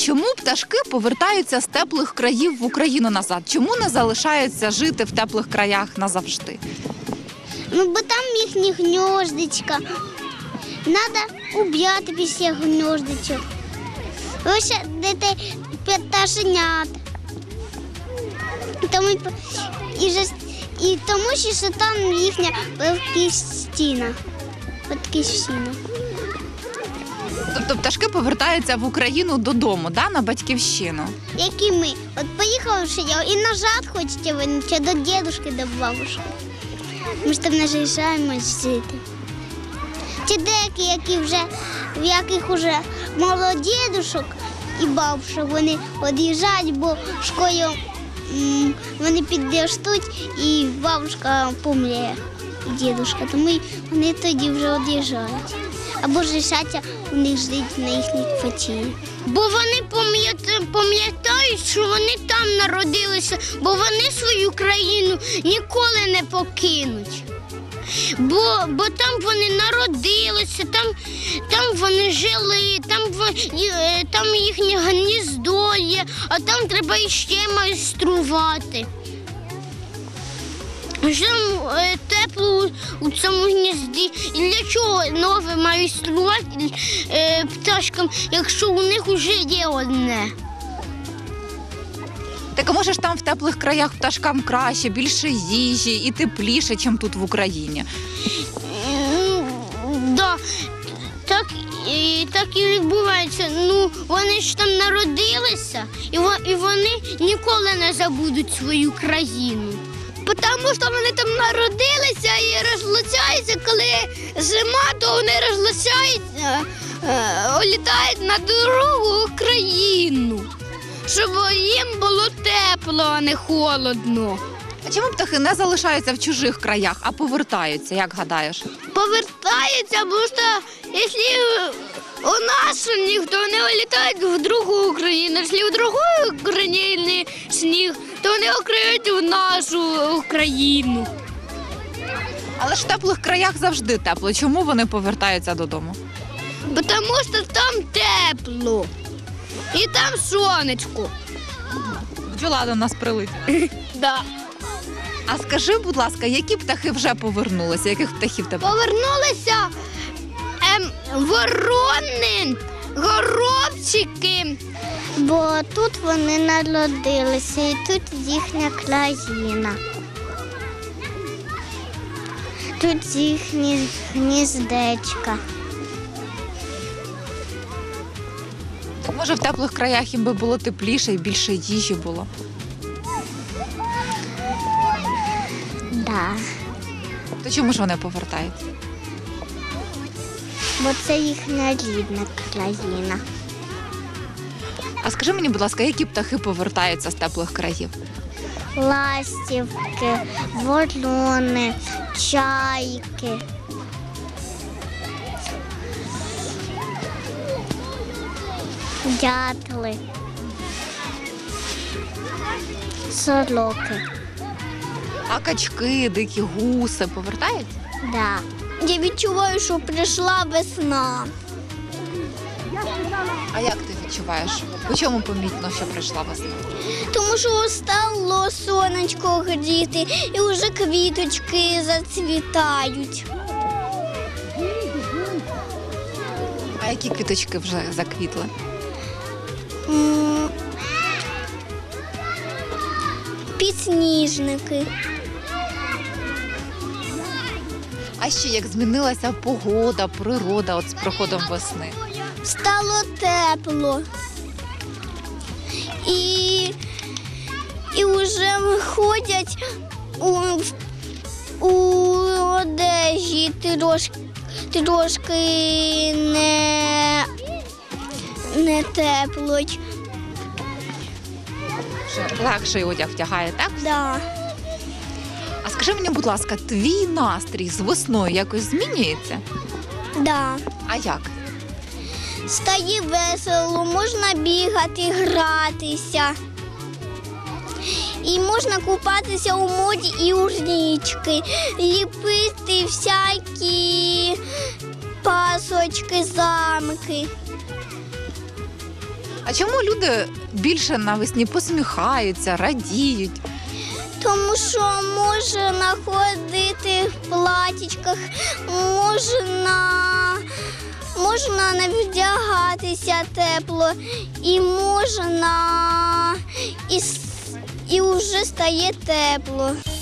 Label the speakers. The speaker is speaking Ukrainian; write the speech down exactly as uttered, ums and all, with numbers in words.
Speaker 1: чому пташки повертаються з теплих країв в Україну назад? Чому не залишаються жити в теплих краях назавжди?
Speaker 2: Ну, бо там їхні гніздечка. Треба уб'яти після гніздечок. Висадити пташенят. Тому, і, же- і тому що там їхня батьківщина. Батьківщина.
Speaker 1: Тобто пташки повертаються в Україну додому, да, на батьківщину?
Speaker 2: Як і ми. От поїхали в Шиєв і назад хочете вернутися до дідушки, до бабушки. Ми ж там наїжджаємо жити. Ті деякі, які вже, в яких вже мало дідушок і бабушок, вони від'їжджають, бо школою м, вони підростуть і бабушка помре, і дідушка. Тому й вони тоді вже від'їжджають. Або ж лишаться у них жити на їхній квартирі. Бо вони пам'ятають, що вони там народилися, бо вони свою країну ніколи не покинуть. Бо, бо там вони народилися, там, там вони жили, там, там їхнє гніздо є, а там треба іще майструвати. Там е, тепло у цьому гнізді. І для чого нове майструвати е, пташкам, якщо у них вже є одне?
Speaker 1: Так а може ж там в теплих краях пташкам краще, більше їжі і тепліше, ніж тут в Україні?
Speaker 2: Е, да, так, і, так і відбувається. Ну, вони ж там народилися, і, і вони ніколи не забудуть свою країну. Тому що вони там народилися і розлучаються, коли зима, то вони розлучаються, улітають на другу країну, щоб їм було тепло, а не холодно.
Speaker 1: А чому птахи не залишаються в чужих краях, а повертаються, як гадаєш?
Speaker 2: Повертаються, бо що, якщо у нас сніг, то вони улітають в другу країну, якщо в другої країні сніг, то вони окриють в нашу країну.
Speaker 1: Але ж в теплих краях завжди тепло. Чому вони повертаються додому?
Speaker 2: Бо тому що там тепло. І там сонечко.
Speaker 1: Бджола до нас прилетить.
Speaker 2: Да.
Speaker 1: А скажи, будь ласка, які птахи вже повернулися? Яких птахів тебе?
Speaker 2: Повернулися ем, ворони, горобчики. Бо тут вони народилися і тут їхня країна. Тут їхні гніздечка.
Speaker 1: Так може в теплих краях їм би було тепліше і більше їжі було?
Speaker 2: Да.
Speaker 1: То чому ж вони повертаються?
Speaker 2: Бо це їхня рідна країна.
Speaker 1: А скажи мені, будь ласка, які птахи повертаються з теплих країв?
Speaker 2: Ластівки, ворони, чайки. Дятли. Сороки.
Speaker 1: А качки, дикі гуси повертаються?
Speaker 2: Да. Я відчуваю, що прийшла весна.
Speaker 1: А як ти відчуваєш? По чому помітно, що прийшла весна?
Speaker 2: Тому що стало сонечко гріти і вже квіточки зацвітають.
Speaker 1: А які квіточки вже заквітли?
Speaker 2: М, Підсніжники.
Speaker 1: А ще як змінилася погода, природа от з приходом весни?
Speaker 2: Стало тепло. І, і вже виходять у, у одежі трошки, трошки не, не тепло.
Speaker 1: Вже легший одяг втягає, так?
Speaker 2: Да.
Speaker 1: А скажи мені, будь ласка, твій настрій з весною якось змінюється?
Speaker 2: Да.
Speaker 1: А як?
Speaker 2: Стає весело, можна бігати, гратися. І можна купатися у морі і у річки, ліпити всякі пасочки, замки.
Speaker 1: А чому люди більше навесні посміхаються, радіють?
Speaker 2: Тому що можна ходити в платічках, можна, можна не вдягатися тепло, і можна, і, с- і вже стає тепло.